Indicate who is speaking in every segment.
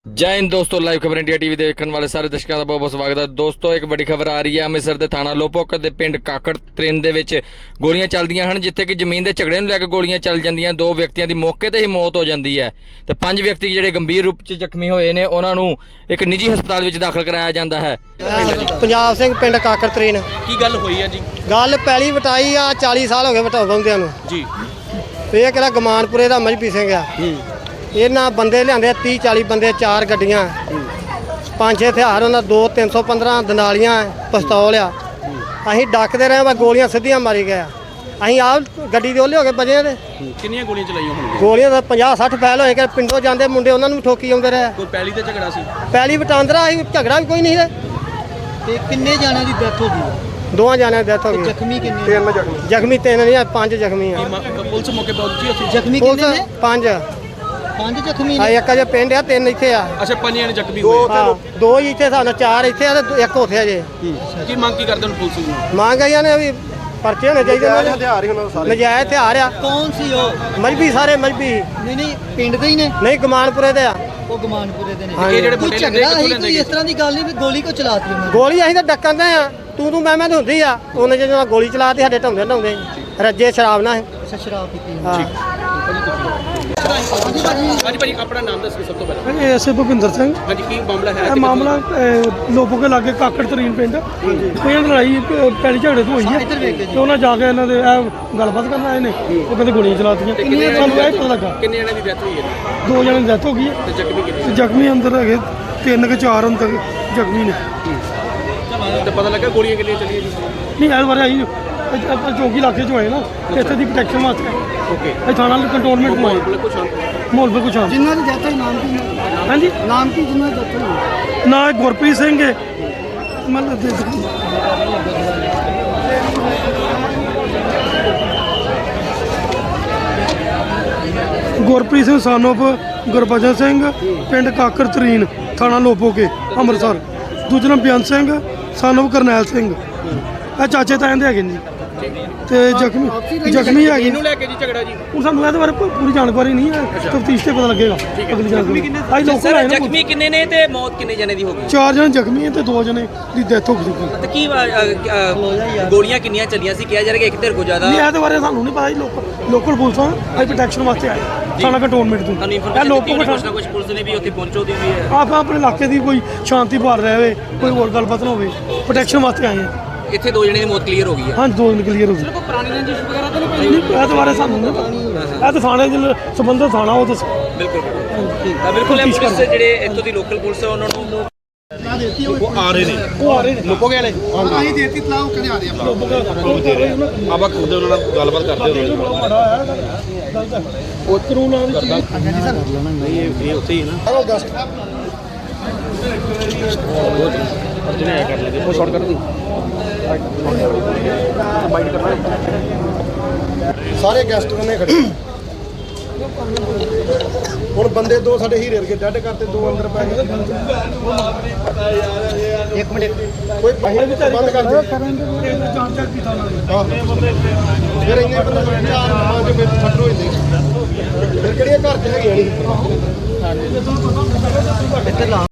Speaker 1: जय हिंद दोस्तों, लाइव खबर इंडिया टीवी देखने वाले सारे दर्शकों का बहुत बहुत स्वागत है। दोस्तों एक बड़ी खबर आ रही है ਅੰਮ੍ਰਿਤਸਰ ਦੇ ਥਾਣਾ ਲੋਪੋਕ ਦੇ ਪਿੰਡ ਕਾਕੜ ਤ੍ਰਿੰਨ ਦੇ ਵਿੱਚ ਗੋਲੀਆਂ ਚੱਲਦੀਆਂ ਹਨ, ਜਿੱਥੇ ਕਿ ਜ਼ਮੀਨ ਦੇ ਝਗੜੇ ਨੂੰ ਲੈ ਕੇ ਗੋਲੀਆਂ ਚੱਲ ਜਾਂਦੀਆਂ। ਦੋ ਵਿਅਕਤੀਆਂ ਦੀ ਮੌਕੇ ਤੇ ਹੀ ਮੌਤ ਹੋ ਜਾਂਦੀ ਹੈ ਤੇ ਪੰਜ ਵਿਅਕਤੀ ਜਿਹੜੇ ਗੰਭੀਰ ਰੂਪ 'ਚ ਜ਼ਖਮੀ ਹੋਏ ਨੇ ਉਹਨਾਂ ਨੂੰ ਇੱਕ ਨਿੱਜੀ ਹਸਪਤਾਲ ਵਿੱਚ ਦਾਖਲ ਕਰਾਇਆ ਜਾਂਦਾ ਹੈ।
Speaker 2: ਪੰਜਾਬ ਸਿੰਘ ਪਿੰਡ ਕਾਕੜ ਤ੍ਰਿੰਨ।
Speaker 3: ਕੀ ਗੱਲ ਹੋਈ ਹੈ ਜੀ?
Speaker 2: ਗੱਲ ਪਹਿਲੀ ਵਟਾਈ ਆ 40 ਸਾਲ ਹੋ ਗਏ ਵਟਾਉਂਦਿਆਂ ਨੂੰ
Speaker 3: ਜੀ।
Speaker 2: ਇਹ ਕਿਹੜਾ ਗਮਾਨਪੁਰੇ ਦਾ ਮਜਬੀ ਸਿੰਘ ਆ। ਇਹਨਾਂ ਬੰਦੇ ਲਿਆਂਦੇ 30-40 ਬੰਦੇ, 4 ਗੱਡੀਆਂ, 5-6 ਹਥਿਆਰ, ਉਹਨਾਂ 2-315 ਦਨਾਲੀਆਂ, ਪਿਸਤੌਲ ਆ। ਅਸੀਂ ਡੱਕਦੇ ਰਹੇ, ਬਸ ਗੋਲੀਆਂ ਸਿੱਧੀਆਂ ਮਾਰੀ ਗਏ। ਅਸੀਂ ਆਪ ਗੱਡੀ ਦੇ ਉਹਲੇ ਹੋ ਕੇ ਬਜੇ ਤੇ
Speaker 3: ਕਿੰਨੀਆਂ ਗੋਲੀਆਂ ਚਲਾਈਆਂ ਹੋਣਗੀਆਂ?
Speaker 2: ਗੋਲੀਆਂ ਤਾਂ 50-60 ਫੈਲ ਹੋਏ ਕਿ ਪਿੰਡੋਂ ਜਾਂਦੇ ਮੁੰਡੇ ਉਹਨਾਂ ਨੂੰ ਵੀ ਠੋਕੀ ਆਉਂਦੇ ਰਹੇ।
Speaker 3: ਕੋਈ ਪਹਿਲੀ ਤੇ ਝਗੜਾ ਸੀ?
Speaker 2: ਪਹਿਲੀ ਵਟਾਂਦਰਾ ਅਸੀਂ, ਝਗੜਾ ਵੀ ਕੋਈ ਨਹੀਂ ਹੈ।
Speaker 4: ਤੇ ਕਿੰਨੇ ਜਾਣਿਆਂ ਦੀ ਡੈਥ ਹੋ ਗਈ?
Speaker 2: 2 ਜਾਣਿਆਂ ਦੀ ਡੈਥ ਹੋ ਗਈ।
Speaker 4: ਜ਼ਖਮੀ ਕਿੰਨੇ?
Speaker 2: 3 ਜ਼ਖਮੀ 3 ਨਹੀਂ, 5 ਜ਼ਖਮੀ ਆ।
Speaker 3: ਪੁਲਿਸ ਮੌਕੇ ਪਹੁੰਚੀ ਉੱਥੇ?
Speaker 4: ਜ਼ਖਮੀ ਕਿੰਨੇ ਨੇ?
Speaker 2: 5
Speaker 4: ਜ਼ਖਮੀ
Speaker 2: ਆ।
Speaker 4: ਨੇ।
Speaker 2: ਇੱਕ ਅਜੇ ਪਿੰਡ ਆ, 3 ਇੱਥੇ ਆ।
Speaker 3: ਅੱਛਾ, ਪੰਜਿਆਂ ਨੇ ਜ਼ਖਮੀ ਹੋਏ।
Speaker 2: ਹਾਂ, 2 ਹੀ ਇੱਥੇ ਸਾਨੂੰ, 4 ਇੱਥੇ ਆ ਤੇ 1 ਉੱਥੇ ਆ ਜੇ।
Speaker 3: ਕੀ ਮੰਗ ਕੀ ਕਰਦੇ ਹੁਣ ਪੁਲਿਸ ਨੂੰ?
Speaker 2: ਮੰਗ ਆਈਆਂ ਨੇ ਵੀ ਪਰਚੇ ਹੋਣੇ ਚਾਹੀਦੇ ਨੇ। ਹਥਿਆਰ ਹੀ ਉਹਨਾਂ ਸਾਰੇ ਨਜਾਇਜ਼ ਹਥਿਆਰ ਆ।
Speaker 4: ਕੌਣ ਸੀ ਉਹ?
Speaker 2: ਮਜਬੀ, ਸਾਰੇ ਮਜਬੀ
Speaker 4: ਨਹੀਂ ਪਿੰਡ ਦੇ ਹੀ ਨੇ।
Speaker 2: ਨਹੀਂ, ਗਮਾਨਪੁਰੇ ਦੇ ਆ।
Speaker 4: ਉਹ ਗਮਾਨਪੁਰੇ ਦੇ ਨੇ।
Speaker 2: ਹਾਂਜੀ।
Speaker 3: ਇਹ ਜਿਹੜੇ
Speaker 4: ਕੋਈ
Speaker 3: ਮੁੰਡੇ
Speaker 4: ਝਗੜਾ
Speaker 3: ਕਿੱਥੋਂ
Speaker 4: ਹੈ,
Speaker 3: ਲੈਂਦੇ
Speaker 4: ਕੋਈ ਇਸ ਤਰ੍ਹਾਂ ਦੀ ਗੱਲ ਨਹੀਂ ਵੀ ਗੋਲੀ ਕੋ ਚਲਾਤੀ ਉਹਨਾਂ ਨੇ?
Speaker 2: ਗੋਲੀ ਅਸੀਂ ਤਾਂ ਡੱਕਣ ਦੇ ਆ, ਤੂੰ ਮੈਂ ਤੇ ਹੁੰਦੀ ਆ। ਉਹਨੇ ਜਦੋਂ ਗੋਲੀ ਚਲਾਤੀ ਸਾਡੇ ਢਾਉਂਦੇ ਰੱਜੇ ਸ਼ਰਾਬ ਨਾਲ।
Speaker 4: ਅੱਛਾ, ਸ਼ਰਾਬ ਪੀਤੀ।
Speaker 2: ਹਾਂ।
Speaker 3: ਹਾਂਜੀ ਭਾਜੀ, ਆਪਣਾ ਨਾਮ ਦੱਸੋ ਸਭ ਤੋਂ ਪਹਿਲਾਂ।
Speaker 5: ਐਸੇ ਭੁਪਿੰਦਰ ਸਿੰਘ।
Speaker 3: ਹਾਂਜੀ, ਕੀ ਮਾਮਲਾ ਹੈ?
Speaker 5: ਇਹ ਮਾਮਲਾ ਲੋਪੋ ਕੇ ਲਾਗੇ ਕਾਕੜ ਤਰੀਨ ਪਿੰਡ, ਕੋਈ ਲੜਾਈ ਪੈਲੀ ਝਗੜੇ ਤੋਂ ਹੋਈ ਹੈ ਤੇ ਉਹਨਾਂ ਜਾ ਕੇ ਇਹਨਾਂ ਦੇ ਇਹ ਗੱਲਬਾਤ ਕਰਨ ਆਏ ਨੇ। ਉਹ ਕਹਿੰਦੇ ਗੋਲੀਆਂ ਚਲਾਤੀਆਂ। ਸਾਨੂੰ ਇਹ ਪਤਾ ਲੱਗਾ
Speaker 3: ਕਿੰਨੇ ਜਣਿਆਂ ਦੀ ਡੈਥ ਹੋਈ ਹੈ?
Speaker 5: 2 ਜਣਿਆਂ ਦੀ ਡੈਥ ਹੋ ਗਈ ਹੈ
Speaker 3: ਤੇ ਜ਼ਖਮੀ ਕਿੰਨੇ?
Speaker 5: ਤੇ ਜ਼ਖਮੀ ਅੰਦਰ ਹੈਗੇ 3 ਕਿ 4 ਹੁਣ ਤੱਕ ਜ਼ਖਮੀ ਨੇ।
Speaker 3: ਤੇ ਪਤਾ ਲੱਗਾ ਗੋਲੀਆਂ ਕਿੰਨੀਆਂ ਚੱਲੀਆਂ ਜੀ?
Speaker 5: ਨਹੀਂ, ਇਸ ਬਾਰੇ ਆਈ ਆਪਾਂ ਚੌਕੀ ਇਲਾਕੇ 'ਚ ਹੋਏ ਨਾ, ਇੱਥੇ ਦੀ ਪ੍ਰੋਟੈਕਸ਼ਨ ਵਾਸਤੇ
Speaker 3: ਓਕੇ।
Speaker 5: ਇਹ ਥਾਣਾ ਕੰਟਰੋਲਮੈਂਟ ਨੂੰ ਆਏ।
Speaker 3: ਬਿਲਕੁਲ ਸ਼ਾਂਤ।
Speaker 5: ਮਾਹੌਲ ਬਿਲਕੁਲ ਸ਼ਾਂਤ।
Speaker 4: ਜਿਨ੍ਹਾਂ ਦੀ ਡੈਥ ਹੋਈ ਨਾਮ ਕੀ?
Speaker 5: ਹਾਂਜੀ,
Speaker 4: ਨਾਮ ਕੀ ਜਿਨ੍ਹਾਂ ਦੀ ਡੈਥ ਹੋਈ?
Speaker 5: ਨਾ ਗੁਰਪ੍ਰੀਤ ਸਿੰਘ ਹੈ ਮਤਲਬ ਗੁਰਪ੍ਰੀਤ ਸਿੰਘ ਸਾਨੋਪ ਗੁਰਬਚਨ ਸਿੰਘ, ਪਿੰਡ ਕਾਕਰ ਤਰੀਨ, ਥਾਣਾ ਲੋਪੋਕੇ, ਅੰਮ੍ਰਿਤਸਰ। ਦੂਜਾ ਨਾਮ ਬੇਅੰਤ ਸਿੰਘ ਸਾਨੋਪ ਕਰਨੈਲ ਸਿੰਘ। ਇਹ ਚਾਚੇ ਤਾਇਆਂ ਦੇ ਹੈਗੇ ਨੇ ਜੀ। ਤੇ ਜ਼ਖਮੀ ਹੈਗੇ।
Speaker 3: ਇਹਨੂੰ ਲੈ ਕੇ ਜੀ ਝਗੜਾ ਜੀ?
Speaker 5: ਹੁਣ ਸਾਨੂੰ ਇਹਦੇ ਬਾਰੇ ਪੂਰੀ ਜਾਣਕਾਰੀ ਨਹੀਂ ਹੈ, ਤਫਤੀਸ਼ ਤੇ ਪਤਾ ਲੱਗੇਗਾ ਅਗਲੀ ਜਾਣਕਾਰੀ। ਅੱਜ ਲੋਕਲ ਆਏ ਨੇ।
Speaker 6: ਜ਼ਖਮੀ ਕਿੰਨੇ ਨੇ ਤੇ ਮੌਤ ਕਿੰਨੇ ਜਣੇ ਦੀ ਹੋ ਗਈ?
Speaker 5: 4 ਜਣੇ ਜ਼ਖਮੀ ਹੈ ਤੇ 2 ਜਣੇ ਦੀ ਡੈਥ ਹੋ ਚੁੱਕੀ ਹੈ।
Speaker 6: ਤੇ ਕੀ ਗੋਲੀਆਂ ਕਿੰਨੀਆਂ ਚੱਲੀਆਂ ਸੀ? ਕਿਹਾ ਜਾ ਰਿਹਾ ਕਿ ਇੱਕ ਧਿਰ ਕੋ ਜ਼ਿਆਦਾ।
Speaker 5: ਨਹੀਂ, ਇਹਦੇ ਬਾਰੇ ਸਾਨੂੰ ਨਹੀਂ ਪਤਾ ਜੀ। ਲੋਕਲ ਪੁਲਿਸ ਆ, ਅਸੀਂ ਪ੍ਰੋਟੈਕਸ਼ਨ ਵਾਸਤੇ ਆਏ ਥਾਣਾ ਕੰਟਰੋਲਮੈਂਟ ਤੋਂ।
Speaker 6: ਤੁਹਾਨੂੰ
Speaker 5: ਇਹ
Speaker 6: ਇਨਫੋਰਮੇਸ਼ਨ
Speaker 5: ਲੋਕੋ
Speaker 6: ਦਿੱਤੀ ਕੁਝ ਨਾ ਕੁਝ ਪੁਲਿਸ ਨੇ ਵੀ ਉੱਥੇ ਪਹੁੰਚੋ ਦੀ ਵੀ ਹੈ।
Speaker 5: ਆਪਾਂ ਆਪਣੇ ਇਲਾਕੇ ਦੀ ਕੋਈ ਸ਼ਾਂਤੀ ਭਾਲ ਰਿਹਾ ਹੋਵੇ, ਕੋਈ ਹੋਰ ਗੱਲਬਾਤ ਨਾ ਹੋਵੇ, ਪ੍ਰੋਟੈਕਸ਼ਨ ਵਾਸਤੇ ਆਏ ਹਾਂ।
Speaker 6: ਇੱਥੇ 2 ਜਣੇ ਦੀ ਮੌਤ ਕਲੀਅਰ ਹੋ ਗਈ ਹੈ।
Speaker 5: ਹਾਂ, 2 ਦਿਨ ਕਲੀਅਰ ਹੋ ਗਏ।
Speaker 6: ਕੋਈ ਪੁਰਾਣੀ ਰੰਜਿਸ਼ ਵਗੈਰਾ ਤਾਂ
Speaker 5: ਨਹੀਂ, ਇਹਦੇ ਬਾਰੇ ਸਾਨੂੰ ਨਹੀਂ ਪਤਾ। ਇਹ ਤਾਂ ਥਾਣੇ ਦੇ ਸੰਬੰਧਿਤ ਥਾਣਾ, ਉਹ ਦੱਸੋ।
Speaker 6: ਬਿਲਕੁਲ ਤਾਂ ਬਿਲਕੁਲ ਇਹ ਪੁਲਿਸ ਦੇ ਜਿਹੜੇ ਇੱਥੋਂ ਦੀ ਲੋਕਲ ਪੁਲਿਸ ਹੈ ਉਹਨਾਂ ਨੂੰ
Speaker 3: ਉਹ ਆ ਰਹੇ ਨੇ ਲੋਪੋਗੇ ਵਾਲੇ।
Speaker 4: ਅਸੀਂ ਦੇਤੀ ਤਲਾਹ ਕਹਿੰਦੇ ਆ ਰਹੇ ਆ।
Speaker 3: ਆਪਾਂ ਖੁਦ ਉਹਨਾਂ ਨਾਲ ਗੱਲਬਾਤ ਕਰਦੇ ਹੋ।
Speaker 5: ਉਹ ਕਾਨੂੰਨ ਆ ਵਿੱਚ
Speaker 3: ਇਹ ਉੱਥੇ ਹੀ ਹੈ ਨਾ। ਅਰਜਨ ਆਇਆ ਕਰ ਲਗੇ ਉਹ ਸ਼ਾਰਟ ਕਰ ਦੀ ਬਾਈਟ ਕਰਨਾ।
Speaker 2: ਸਾਰੇ ਗੈਸਟ ਨੇ ਖੜੇ। ਹੁਣ ਬੰਦੇ 2 ਸਾਡੇ ਹੀਰੇ ਵਰਗੇ ਡੱਡ ਕਰਤੇ, 2 ਅੰਦਰ ਪੈ ਗਏ।
Speaker 4: ਇੱਕ ਮਿੰਟ।
Speaker 2: ਕੋਈ ਬਾਹਰ ਵੀ ਬੰਦ ਕਰ ਦੇ। ਫਿਰ ਇੰਨੇ ਬੰਦੇ 4-5 ਮਿੰਟ ਛੱਡ ਹੋ ਜਾਂਦੇ। ਫਿਰ ਕਿਹੜੀਆਂ ਘਰ 'ਚ ਹੈਗੀਆਂ ਨਹੀਂ।
Speaker 4: ਇੱਧਰ ਲਾ।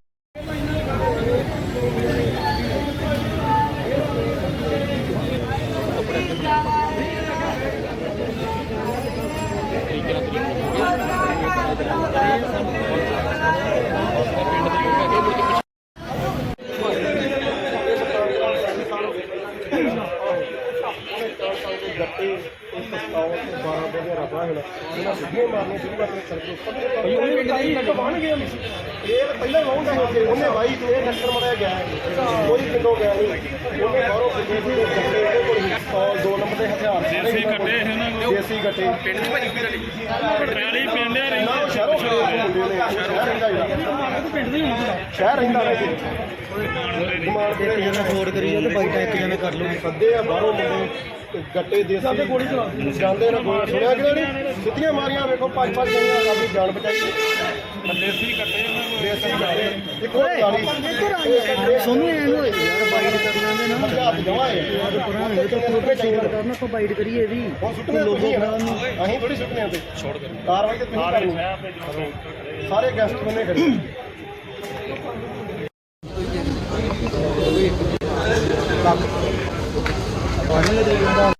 Speaker 2: ਉਹਨੇ ਵਾਈ ਤੇ ਟੱਕਰ ਮਾਰਿਆ ਗਿਆ, ਕੋਈ ਪਿੰਡੋਂ ਗਿਆ ਨਹੀਂ। ਉਹਨੇ ਬਾਹਰੋਂ ਕਿਤੇ ਕੋਲ 2 ਨੰਬਰ ਦੇ ਹਥਿਆਰ ਦੇਸੀ ਗੱਟੇ ਪਿੰਡ ਦੀ ਭਾਜੀ ਪਟਿਆਲੀ ਪਿੰਡ ਆ ਰਹੀ ਨਾ। ਸ਼ਹਿਰੋਂ ਸ਼ਹਿਰ ਰਹਿੰਦਾ ਵੈਸੇ
Speaker 4: ਫੋੜ ਕਰੀ ਤੇ ਬਾਈਟ ਇੱਕ ਜਣੇ ਕਰ ਲਓ।
Speaker 2: ਸੱਦੇ ਆ ਬਾਹਰੋਂ ਮੁੰਡੇ ਗੱਟੇ ਦੇਸੀ ਗੋਲੀ ਜਾਂਦੇ ਨੇ। ਗੋਲੀ ਸੁਣਿਆ ਕਿ ਨਹੀਂ? ਸਿੱਧੀਆਂ ਮਾਰੀਆਂ ਵੇਖੋ, 5-5 ਜਣੀਆਂ ਆਪਣੀ ਜਾਨ ਬਚਾਈ। ਦੇਸੀ ਗੱਟੇ ਇੱਕ ਹੋਰ 40
Speaker 4: ਸੋਨੂੰ ਐਨ ਹੋਏ ਯਾਰ, ਬਾਈਟ ਕਰਨਾ ਦੇ ਨਾ
Speaker 2: ਹੱਥ ਜਮਾ ਹੈ।
Speaker 4: ਪੁਰਾਣੇ ਤਾਂ ਪੂਰੇ ਸ਼ੇਅਰ ਕਰਨਾ, ਕੋ ਬਾਈਟ ਕਰੀਏ ਵੀ ਲੋਗੋ ਬਣਾ ਨੂੰ।
Speaker 2: ਅਸੀਂ ਥੋੜੀ ਸੁੱਟਨੇ ਤੇ ਛੋੜ ਕਰ ਕਾਰਵਾਈ ਤੇ ਤੁਸੀਂ ਕਰਨੀ। ਸਾਰੇ ਗੈਸਟ ਬੰਨੇ ਖੜੇ।
Speaker 3: ਲੱਖ